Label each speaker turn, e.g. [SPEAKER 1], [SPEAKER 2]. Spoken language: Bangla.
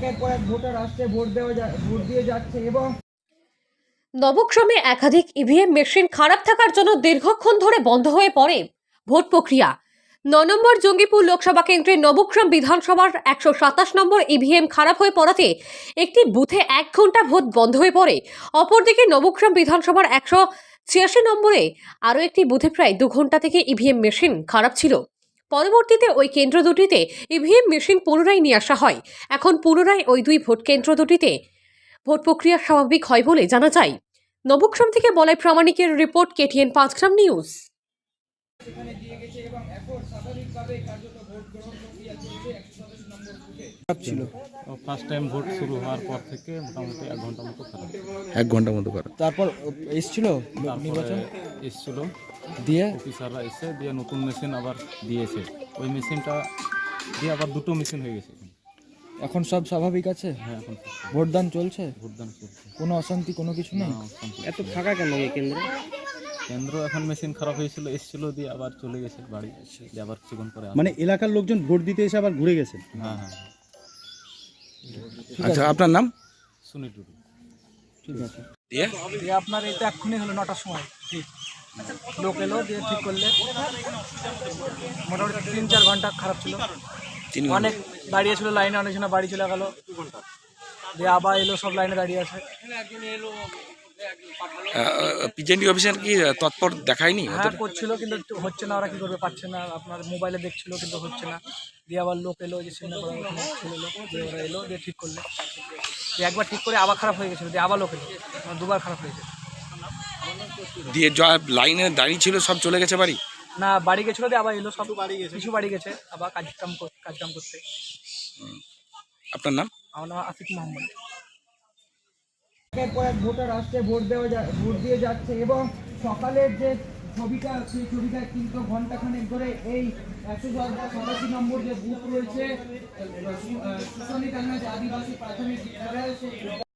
[SPEAKER 1] একের পর এক ভোটার আসছে, ভোট দিয়ে যাচ্ছে এবং
[SPEAKER 2] নবগ্রামে একাধিক ইভিএম মেশিন খারাপ থাকার জন্য দীর্ঘক্ষণ ধরে বন্ধ হয়ে পড়ে ভোট প্রক্রিয়া। 9 নম্বর জঙ্গিপুর লোকসভা কেন্দ্রের নবগ্রাম বিধানসভার 127 নম্বর ইভিএম খারাপ হয়ে পড়াতে একটি বুথে 1 ঘন্টা ভোট বন্ধ হয়ে পড়ে। অপরদিকে নবগ্রাম বিধানসভার 186 নম্বরে আরও একটি বুথে প্রায় 2 ঘন্টা থেকে ইভিএম মেশিন খারাপ ছিল। পরবর্তীতে ওই কেন্দ্র দুটিতে ইভিএম মেশিন পুনরায় নিয়ে আসা হয়। এখন পুনরায় ওই দুই ভোট কেন্দ্র দুটিতে ভোট প্রক্রিয়া স্বাভাবিক হয় বলে জানা যায়। নবগ্রাম থেকে বলাই প্রামাণিকের রিপোর্ট, KTN 5 গ্রাম নিউজ।
[SPEAKER 1] সেখানে দিয়ে গেছে এবং এখন স্বাভাবিকভাবে কার্যত ভোট গ্রহণ প্রক্রিয়া চলছে 127 নম্বর বুথে।
[SPEAKER 3] ছিল
[SPEAKER 4] ফার্স্ট টাইম ভোট শুরু হওয়ার পর থেকে মোটামুটি 1 ঘন্টা মতো খারাপ।
[SPEAKER 3] 1 ঘন্টার মতো করে তারপর এসেছিল নির্বাচন
[SPEAKER 4] এসছিল
[SPEAKER 3] দিয়ে
[SPEAKER 4] অফিসাররা এসে দিয়ে নতুন মেশিন আবার দিয়েছে। ওই মেশিনটা দিয়ে আবার দুটো মেশিন হয়ে গেছে।
[SPEAKER 3] এখন সব স্বাভাবিক আছে।
[SPEAKER 4] হ্যাঁ, এখন
[SPEAKER 3] ভোটদান চলছে,
[SPEAKER 4] ভোটদান চলছে।
[SPEAKER 3] কোনো অশান্তি কোনো কিছু নেই।
[SPEAKER 4] এত ফাঁকা কেন এই কেন্দ্র? এখন মেশিন খারাপ হয়েছিল, এসছিল দিয়ে আবার চলে গেছে বাড়ি, দিয়ে আবার কিছুক্ষণ পরে
[SPEAKER 5] মানে এলাকার লোকজন ভোট দিতে এসে আবার ঘুরে গেছে।
[SPEAKER 4] হ্যাঁ হ্যাঁ,
[SPEAKER 3] আচ্ছা, আপনার নাম?
[SPEAKER 4] শুনি টুটু।
[SPEAKER 3] ঠিক আছে।
[SPEAKER 6] দিয়ে আপনার এই তো এক্ষুনি হলো 9টার সময় ঠিক লোক এলো দিয়ে ঠিক করলে। মোটামুটি 3-4 ঘন্টা খারাপ ছিল, অনেক দাঁড়িয়ে ছিল লাইনে, অনেকজন বাড়ি চলে গেল, দিয়ে আবার এলো, সব লাইনে দাঁড়িয়ে আছে।
[SPEAKER 3] পিজেন্টি অফিসার কি তৎপর দেখায়নি?
[SPEAKER 6] হ্যাঁ করছিল কিন্তু হচ্ছে না, ওরা কি করবে, পাচ্ছে না। আপনার মোবাইলে দেখছিল কিন্তু হচ্ছে না। দিয়ে আবার লোক এলো, যে সিনেমা করার ছেলে লোক, দিয়ে ওরা এলো দিয়ে ঠিক করলে। দিয়ে একবার ঠিক করে আবার খারাপ হয়ে গেছিলো, দিয়ে আবার লোক এলো, দুবার খারাপ হয়েছে।
[SPEAKER 3] দিয়ে লাইনে দাঁড়িয়ে ছিল সব চলে গেছে বাড়ি?
[SPEAKER 6] না, বাড়ি গেছিলো দিয়ে আবার এলো, সব বাড়ি গেছে, কিছু বাড়ি গেছে আবার কাজকাম করতে।
[SPEAKER 3] আপনার নাম?
[SPEAKER 6] আমার নাম আসিফ মোহাম্মদ।
[SPEAKER 1] একের পর এক ভোটার আসছে, ভোট দিয়ে যাচ্ছে এবং সকালের যে ছবিটা, সেই ছবিটা কিন্তু ঘন্টাখানেক ধরে এই 187 নম্বর যে বুথ রয়েছে সুশানী আদিবাসী প্রাথমিক বিদ্যালয়, সেই